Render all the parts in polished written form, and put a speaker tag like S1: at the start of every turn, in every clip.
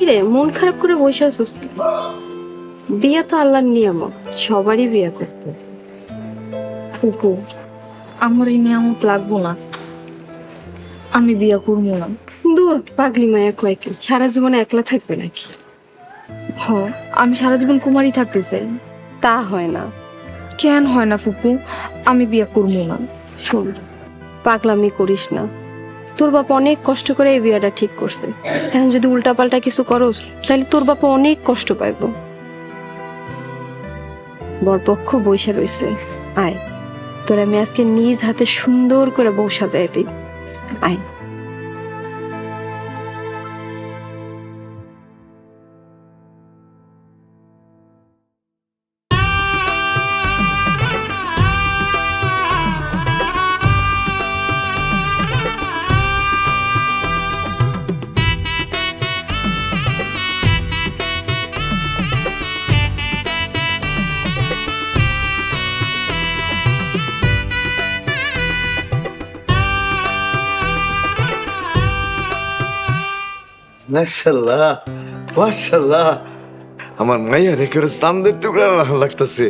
S1: কিরে মন খারাপ করে বসে আছিস? বিয়ে তো আল্লাহর নিয়ামত, সবারই বিয়ে করতে।
S2: ফুপু, আমার এই নিয়ামত লাগবো না, আমি বিয়া করবো না।
S1: দূর পাগলি মায়া কয়েক, সারা জীবনে একলা থাকবে নাকি?
S2: হ, আমি সারা জীবন কুমারী থাকতে চাই।
S1: তা হয় না।
S2: কেন হয় না ফুপু? আমি বিয়া করবো না।
S1: শোন, পাগলামি করিস না। তোর বাপ অনেক কষ্ট করে এই বিয়েটা ঠিক করছে। এখন যদি উল্টাপাল্টা কিছু করস তাহলে তোর বাপ অনেক কষ্ট পাইব। বরপক্ষ বইসা রইছে, আয় তোর আমি আজকে নিজ হাতে সুন্দর করে বউ সাজাই দিই। আয়।
S3: মাশাআল্লাহ মাশাআল্লাহ, আমার মাইয়া রেখে চাঁদের টুকরা লাগতেছে।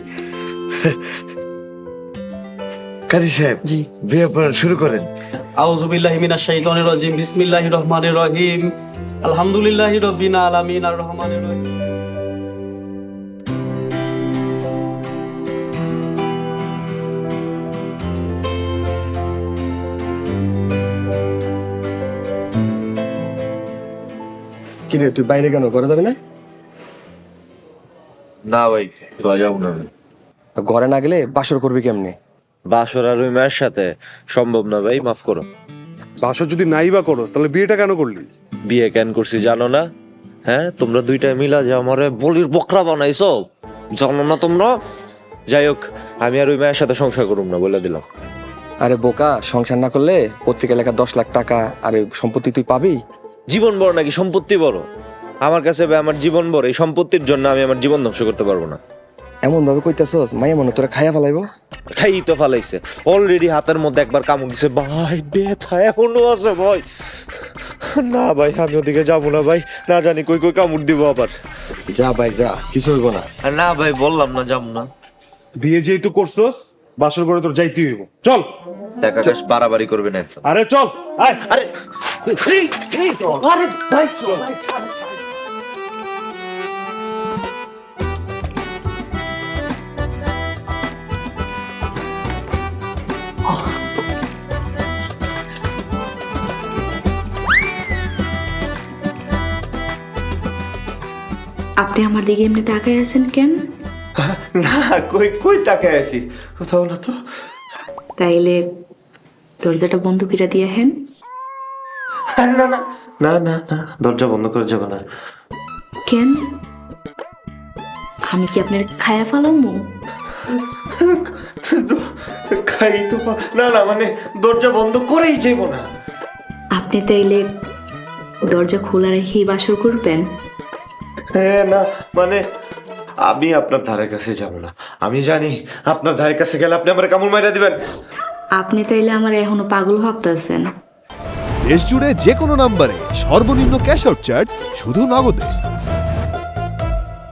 S3: কাজী সাহেব,
S4: জি।
S3: বিয়ে পড়ানো শুরু করেন।
S4: আউযু বিল্লাহি মিনাশ শাইতানির রাজিম, বিসমিল্লাহির রহমানির রহিম, আলহামদুলিল্লাহি রাব্বিল আলামিন, আর রহমানির রহিম।
S5: কিরে তুই বাইরে কেন, ঘরে যাবি না?
S6: না ভাই, যাবো না।
S5: ঘরে না গেলে বাসর করবি কেমনে?
S6: বাসর আর ওই মায়ের সাথে সম্ভব না ভাই, মাফ করো।
S7: বাসর যদি নাই বা করস তাহলে বিয়েটা কেন করলি?
S6: বিয়ে কেন করছি জানো না? হ্যাঁ, তোমরা দুইটা মিলা যে আমারে বলির বকরা বানাইছো, জানো না তোমরা? যাই হোক, আমি আর ওই মায়ের সাথে সংসার করুম না, বলে দিলাম।
S5: আরে বোকা, সংসার না করলে পত্রিকা লেখা 10 লাখ টাকা আর এই সম্পত্তি তুই পাবি?
S6: জীবন বড় নাকি সম্পত্তি বড়? আমার কাছে ভাই আমার জীবন বড়। এই সম্পত্তির জন্য আমি আমার জীবন ধ্বংস করতে পারবো না।
S5: এমন ভাবে কইতাছস মাইয়া মনে তোরা খাইয়া ফেলাইবো।
S6: খাই তো ফালাইছে অলরেডি, হাতের মধ্যে একবার কামড় দিছে ভাই, ব্যথা এখনো আছে ভাই। না ভাই, আমি ওদিকে যাবো না ভাই, না জানি কই কই কামড় দিব আবার।
S5: যা ভাই যা, কিছু হইব না।
S6: না ভাই, বললাম না যাবো না।
S7: বিয়ে যেহেতু করছস বাসর করে তোর যাইতেই হইব। চল।
S6: দেখা কাশ বাড়াবাড়ি করবে না একদম।
S7: আরে চল, আয়।
S6: আরে
S8: আপনি আমার দিকে এমনি তাকায় আছেন কেন?
S6: না, কই কই তাকায় আছি, কোথাও না তো।
S8: তাইলে দরজাটা বন্ধ করে দিয়ে হেন।
S6: আরে না না না না না, দরজা বন্ধ করে যাবে না।
S8: কেন? আমি কি আপনার খায়া ফেলামু?
S6: খাই তো না না, মানে দরজা বন্ধ করেই যাইব না।
S8: আপনি তাইলে দরজা খোলা রেখেই বাসর করবেন?
S6: হ্যাঁ, না মানে আমি আপনার ধারের কাছে যাব না। আমি জানি আপনার ধারের কাছে গেলে আপনি আমার কামড় মাইরা দিবেন।
S8: আপনি তাইলে আমার এখনো পাগল ভাবতেছেন।
S9: দেশ জুড়ে যে কোনো নম্বরে সর্বনিম্ন ক্যাশ আউট চার্জ শুধু নগদে।